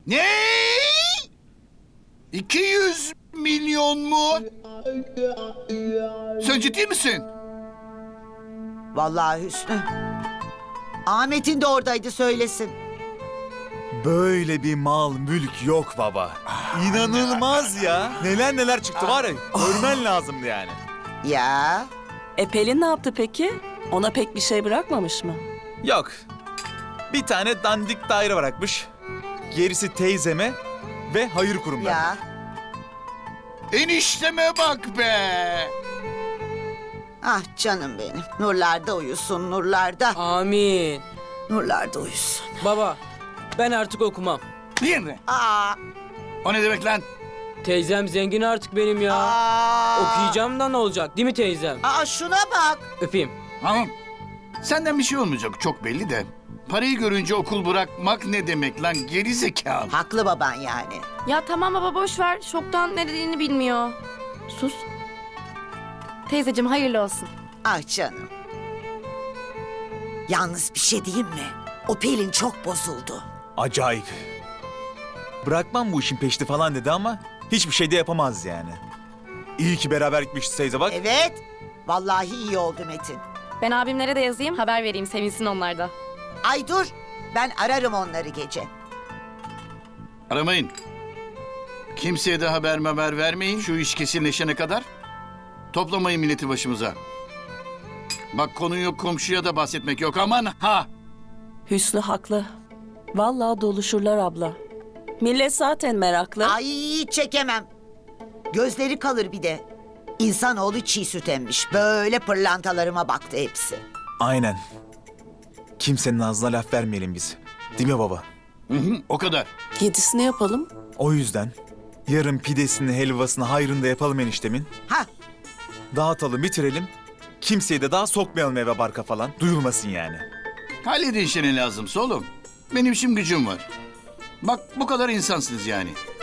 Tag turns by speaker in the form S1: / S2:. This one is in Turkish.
S1: Ne? 200 milyon mu? Sen ciddi misin?
S2: Vallahi Hüsnü. Ahmet'in de oradaydı, söylesin.
S3: Böyle bir mal, mülk yok baba. İnanılmaz ya. Neler neler çıktı var ya. Görmen lazımdı yani.
S2: Ya
S4: Pelin ne yaptı peki? Ona pek bir şey bırakmamış mı?
S3: Yok. Bir tane dandik daire bırakmış. Gerisi teyzeme ve hayır kurumlarına.
S2: ya.
S1: Enişteme bak be.
S2: Ah canım benim. Nurlarda uyusun, nurlarda.
S5: Amin.
S2: Nurlarda uyusun.
S5: Baba, ben artık okumam.
S1: Niye mi?
S2: Aa,
S1: O ne demek lan?
S5: Teyzem zengin artık benim ya. Okuyacağım da ne olacak değil mi teyzem?
S2: Şuna bak.
S5: Öpeyim.
S1: Tamam. Senden bir şey olmayacak çok belli de. Parayı görünce okul bırakmak ne demek lan, geri zekalı.
S2: Haklı baban yani.
S6: Ya tamam baba, boş ver. Şoktan ne dediğini bilmiyor. Sus. Teyzeciğim hayırlı olsun.
S2: Ah canım. Yalnız bir şey diyeyim mi? O Pelin çok bozuldu.
S3: Acayip. Bırakmam bu işin peşti falan dedi ama hiçbir şey de yapamaz yani. İyi ki beraber gitmişiz teyze bak.
S2: Evet. Vallahi iyi oldu Metin.
S6: Ben abimlere de yazayım, haber vereyim, sevinsin onlar da.
S2: Ay dur. Ben ararım onları gece.
S1: Aramayın. Kimseye de haber vermeyin şu iş kesinleşene kadar. Toplamayın milleti başımıza. Bak konuyu komşuya da bahsetmek yok, aman ha.
S4: Hüsnü haklı. Vallahi doluşurlar abla. Millet zaten meraklı.
S2: Ay çekemem. Gözleri kalır bir de. İnsanoğlu çiğ süt emmiş. Böyle pırlantalarıma baktı hepsi.
S3: Aynen. Kimsenin ağzına laf vermeyelim biz. Değil mi baba?
S1: Hı hı, o kadar.
S4: Yedisini yapalım.
S3: O yüzden yarın pidesini, helvasını, hayrını da yapalım eniştemin.
S2: Ha,
S3: Dağıtalım, bitirelim. Kimseyi de daha sokmayalım eve barka falan. Duyulmasın yani.
S1: Halledin işini lazımsa oğlum. Benim işim gücüm var. Bak bu kadar insansınız yani.